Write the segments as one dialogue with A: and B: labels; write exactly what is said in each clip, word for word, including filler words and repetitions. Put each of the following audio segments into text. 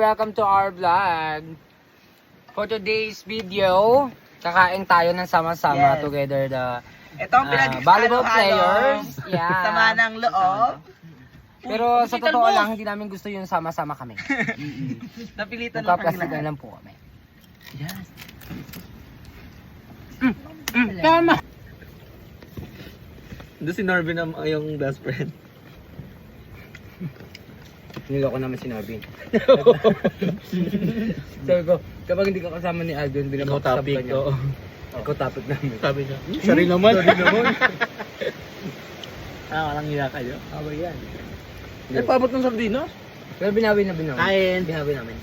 A: welcome to our vlog. For today's video, kakain tayo ng sama-sama
B: Yes.
A: together the
B: Ito ang
A: ah,
B: pinag
A: volleyball players. Yeah.
B: Sama ng loob.
A: Pero sa totoo lang, hindi namin gusto yung sama-sama kami.
B: Napilitan lang kami
A: Magka-plastic na
B: lahat.
A: lang po kami.
B: Yes.
A: Mm, tama!
C: Doon si Norvin ang yung best friend.
A: Niloko naman si Norvin. Sabi ko, kapag hindi ka kasama ni Aldon,
C: Ikaw
A: binabakasab
C: topic,
A: ka niya.
C: oo.
A: Ikaw topic namin.
C: Sabi niya,
A: Siya rin naman. Siya rin naman.
C: ah, walang hiya kayo.
A: Away yan.
C: Eh, paabot ng sardinas?
A: Pero binawi na binawi.
C: Kain.
A: Binawi namin.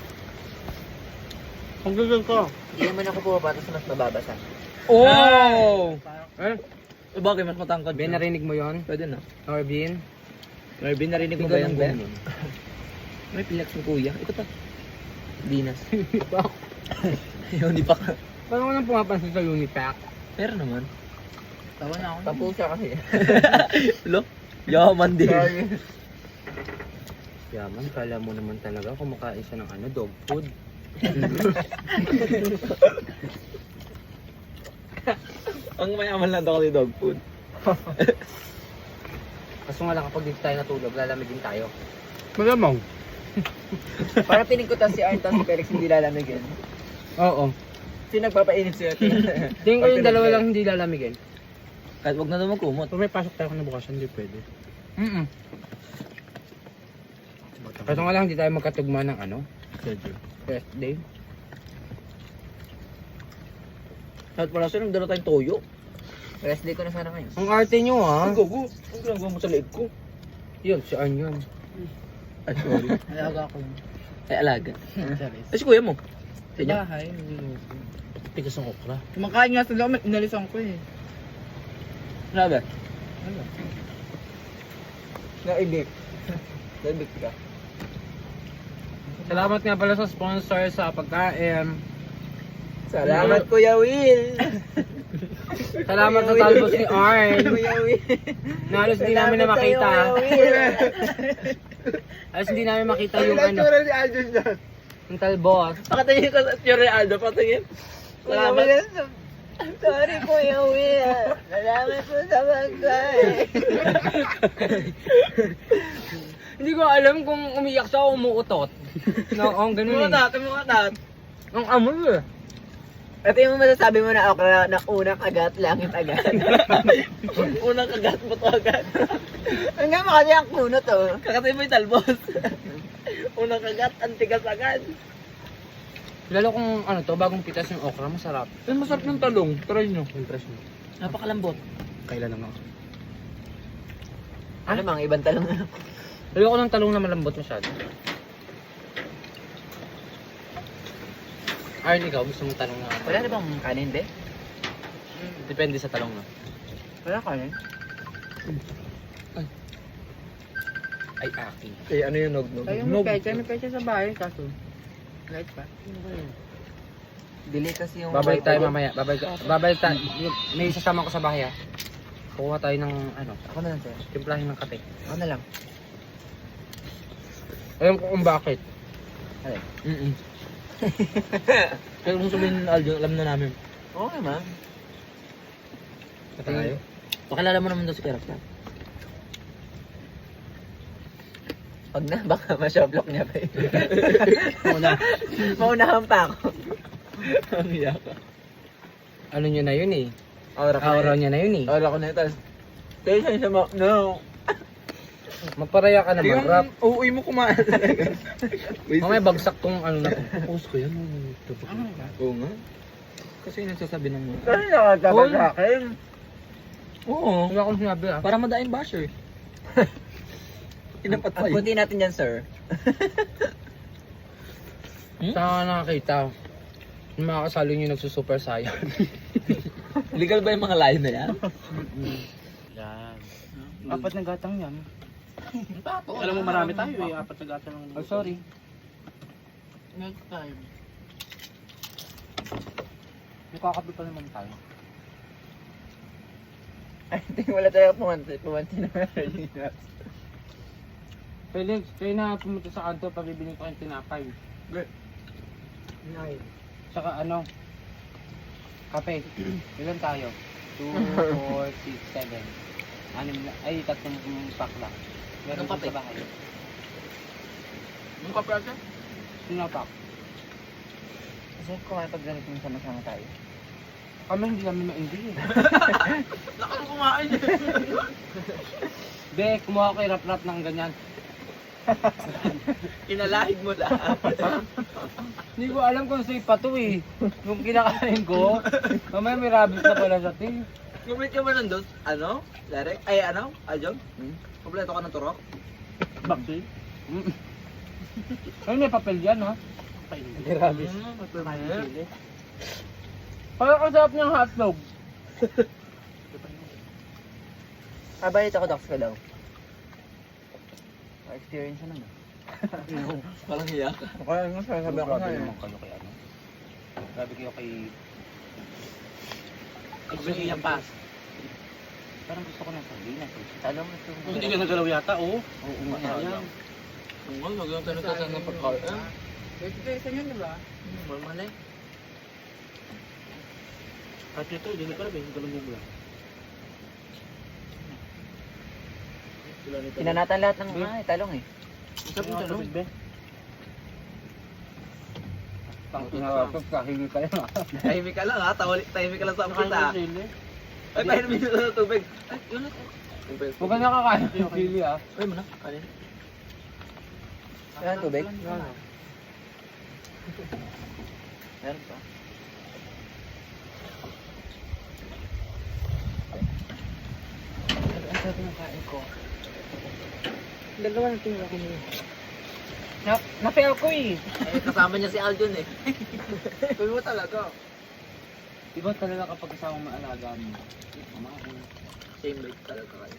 C: Ang gagal ko.
B: Hindi naman ako bumaba tapos mas mababasa.
A: Oh! Eh?
C: Eh, bakit mas matangkad?
A: Ben, narinig mo yon?
C: Pwede na.
A: Norvin?
C: Norvin, narinig mo
A: Ikaw
C: ba yan,
A: ng
C: Ben?
A: ganun.
C: May pilax ng kuya. Ikaw ta. Dinas. Ayun, di pa ka.
A: Paano ko nang pumapansin sa Unipack?
C: Pero naman.
B: Tawa na ako.
C: Tapo siya kasi. Lo? Yaman din.
A: Yaman, kala mo naman talaga kumakain siya ng ano, dog food.
C: Ang mayaman lang daw kasi dog food.
A: Kaso nga lang kapag dito tayo natulog, lalamigin tayo.
C: Malamang.
B: Para piling ko tas si Arn tas si Felix hindi lalamigin.
A: Oo.
B: Sino nagpapainit siya?
A: Tingin ko yung dalawa lang hindi lalamigin.
C: Kahit wag na daw magkumot.
A: Kung may pasok tayo kinabukasan, hindi pwede. Mm-mm. Kaso nga lang hindi tayo magkatugma ng ano, first day.
C: Kahit wala siya, nagdala tayong toyo.
B: Rest day ko na sana ngayon.
A: Ang arte nyo ah.
C: Ang gogo. Ang ginagawa mo sa leeg ko.
A: Yun, si Arn yun.
C: Ay, sorry.
B: Alaga ko.
C: Ay, alaga. Ay, si kuya mo. Sa inyo?
B: Bahay.
C: Tigas ng okra.
B: Kumakain nga sa loob, inalisan ko eh.
C: Grabe.
B: Naibig. Naibig ka.
A: Salamat nga pala sa sponsor sa pagkain.
B: Salamat Kuya Will.
A: Salamat sa talbos ni Arn.
B: Kuya Will.
A: Na halos hindi namin na makita. Halos hindi namin makita yung ano,
B: ni Aljon dyan.
A: yung talbos.
C: Pakatingin ko sa Tio Aldo, pakatingin. Salamat.
B: Sorry Kuya Will. Salamat po sa pagkain.
A: Hindi ko alam kung umiyak siya o umuutot. No, ang ganun eh.
C: Mukatat, mukatat.
A: Ang amoy eh.
B: Ito yung masasabi mo na okra na unang agat, langit agad.
C: Unang kagat mo to agad.
B: Hanggang makati ang kunot oh.
C: Kakatay mo yung talbos. Unang kagat, antigas agad.
A: Lalo kung ano to, bagong pitas yung okra, masarap.
C: Eh, masarap ng talong. Try nyo.
A: Impress mo.
C: Napakalambot.
A: Kailan lang ako.
B: Ano mga ibang talong na?
A: Ayoko ng talong na malambot masyado. Arn, ikaw, gusto mong talong na...
B: Wala na bang kanin, be?
A: Depende sa talong na.
B: Wala kanin?
A: Ay, akin.
C: Kaya ano yung nog-nog?
B: Kaya may pecha, may pecha sa bahay, kaso. Light pa. Dili kasi yung...
A: Babalik tayo mamaya. Babalik, babalik tayo. May isasama ko sa bahay ah. Kukuha tayo ng ano,
B: Ako na lang, sir.
A: timplahin ng kape.
B: Ako na lang.
A: Alam ko kung bakit.
B: Ay.
C: Mm-mm. Kaya kung sabihin ng Aldo, alam na namin.
B: Oo naman.
A: Tayo.
C: Pakilala mo naman daw si Kerap.
B: Pag na, baka ma-showblock niya pa eh.
A: Muna.
B: Maunahan pa ako.
C: Ang iya ka.
A: Ano nyo na yun eh.
B: Aura ko
A: Aura
B: na
A: niya na yun eh.
B: Aura ko na yun, tapos... Tension siya mo... No!
A: Magparaya ka naman, rap.
C: uuwi mo kumain.
A: Mamaya bagsak tong ano na to.
C: Post ko yan. Oo nga. Kasi yung nagsasabi ng mga...
B: Kasi nakatawa sa akin.
C: Oo.
A: Wala akong sinabi ah.
C: Para madaing basher. Inapat pa
B: Ang
C: yun.
B: punti natin yan, sir.
C: Hmm?
A: Saan ka nakakita? Yung mga kasalo nyo nagsusuper saiyan.
C: Legal ba yung mga line na yan?
A: Yan.
D: Apat na gatang yan.
C: Tapo.
D: Alam mo marami tayo eh, apat na gatang lang.
A: Oh, sorry.
D: Next time. May kakape pa naman tayo.
B: I think wala talaga pumanti. Pumanti na meron.
D: Felix, kayo na pumunta sa kanto, pabibili ko yung tinapay.
B: Nine.
D: Saka ano, kape. Ilan tayo? two, four, six, seven. Anim na, ay tatlong pack lang. Meron
C: Anong kape?
D: sa bahay.
C: Yung kape ate?
D: Sino pack?
B: Kasi kumain pag ganito yung sama-sama tayo.
D: Kami hindi namin ma-hindi eh.
C: Nakang kumain eh.
D: Be, kumuha ko yung rap-rap ng ganyan.
C: Inalahid mo lahat.
D: Hindi ko alam kung safe pa to eh. Nung kinakain ko, mamaya may rabbit na pala sa ting.
C: Kumit ka ba nandun? Ano? Derek? Ay ano? Aljong? Hmm? Kompleto ka ng turok?
D: Bakit? Ay, may papel yan ha. May rabbit.
C: Hmm,
D: Parang ang sarap niyang hotdog.
B: Ah, balit ako, Docs ka daw. Pa-experience na naman.
C: Walang hiya ka.
B: Kaya nga sabi ako
D: Grabe
B: na
D: naman kayo kay ano. Grabe kayo kay...
C: Sabi hiya pa.
D: Parang gusto ko ng sardinas eh.
B: Alam mo ito.
D: Hindi ka nagalaw yata, oo.
B: Oo nga.
C: Sayang. Kung nga, lagyan tayo nagtasan ng pagkain.
A: Ito isa niyan, di ba?
C: Normal eh.
D: At ito, hindi na pala, may galong mo lang.
B: Pinanatan lahat ng mga eh, talong eh.
D: Sabi mo talong? Pang tinawagpag, kahingi ka lang ha.
C: Tahimik ka lang ha. Tawalik, tahimik ka lang sa ampit ha. Ay, pahinumin nyo na ng tubig. Ay, yun na.
D: Huwag ka nakakain ng sili ha.
C: Ay, mo na. Kanin.
B: Meron tubig? Meron pa. Ang sarap ng kain ko. Dalawa na tingin ako niya.
D: Na, na-fail ko eh.
C: Eh, kasama niya si Aljon eh. Kung mo talaga.
D: Iba talaga kapag kasama maalaga mo. Kumain.
C: Same rate talaga kayo.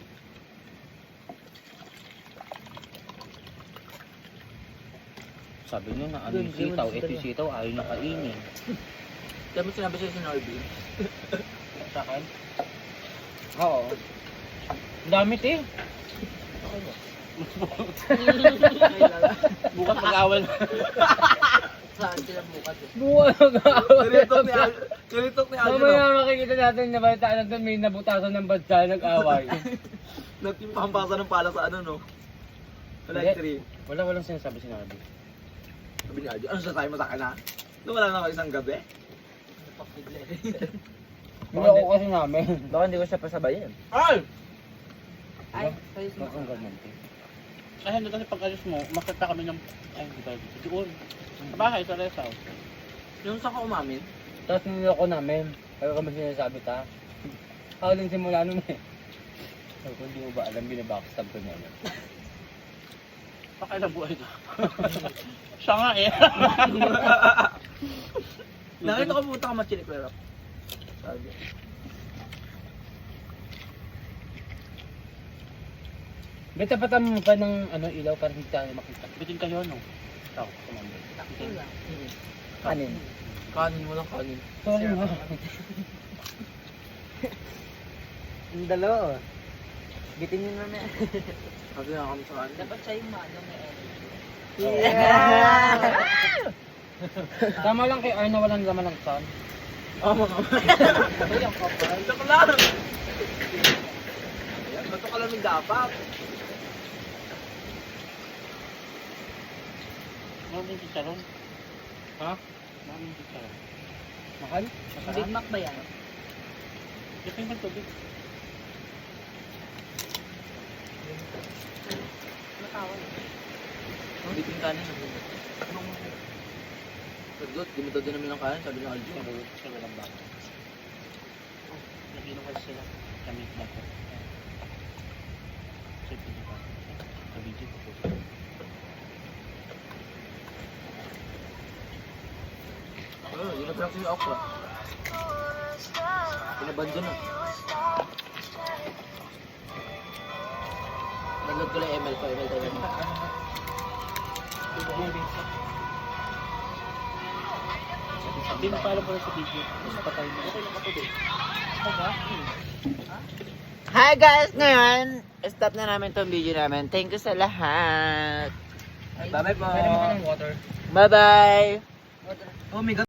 D: Sabi niyo na ano
B: Doon,
D: yung sitaw,
B: doon,
D: ito
B: doon.
D: yung sitaw, ayaw na kainin.
C: Kaya mo sinabi sa'yo si Norby.
D: Sa akin? Oo. Ang damit eh. Bukas mag-awal.
C: Saan sila bukas eh?
D: Bukas mag-awal.
C: Kinitok ni Aljon. Kinitok ni Aljon.
D: Mamaya makikita natin na balitaan natin may nabutasan ng badsa nag-away.
C: Nagpimpampasa ng pala sa ano no? Wala
D: Hindi.
C: yung tree.
D: Wala walang sinasabi si Nabi.
C: Sabi ni Aljon, ano sasabi mo sa akin ha? Nung wala na ako isang gabi.
D: Hindi ako kasi namin.
B: Baka hindi ko siya pasabayin.
C: Ay!
B: Ay,
D: Bakit ang ganyan? Ay, hindi kasi pag-alis mo, makita kami ng... Ay, hindi tayo dito. Doon. Sa bahay, sa rest house.
C: Yung sa ka umamin,
D: Tapos niloko namin. Kaya kami sinasabi ta. Ako din simula nun eh. Sabi ko, hindi mo ba alam, binabackstab ko niya. Pakailang buhay ka. Siya nga eh.
C: nakita ko pumunta ka machinik pero. Sabi.
D: Bita tapatan mo pa ng ano, ilaw para hindi tayo makita. Bitin kayo ano? Ikaw, kumamay.
B: kanin.
C: Kanin mo lang kanin.
D: Sorry nga.
B: Yung dalawa. Bitin nyo na na.
C: Sabi na kami sa kanin.
B: Dapat siya yung maano may
D: Yeah! Tama lang kay Arna, walang laman ng sun.
C: Oo mga
D: Ito yung kapal.
C: Joke lang! Ayan, bato ka lang ng dapat.
D: Maraming chicharon. Ha? Maraming chicharon. Mahal? Masarap?
B: Big Mac ba yan?
D: Ito yung tubig.
C: Biting kanin na bulo. Sagot, gumito din namin ng kanin, sabi ng Aljon.
D: Sabi ko, sila lang ba? Nag-inom kasi sila. Kami ba ko? Check nyo ba? Kabidyo ko po.
C: Oo, yun na practice yung okra. Pinabandyo na. Nagload ko lang M L ko, M L tayo.
D: Hindi mo paalam pala sa video. Mas patay mo. Okay lang ako din.
B: Hi guys! Ngayon, stop na namin tong video namin. Thank you sa lahat.
C: Bye-bye po.
A: Pwede mo ka ng water.
B: Bye-bye.
C: Oh my God.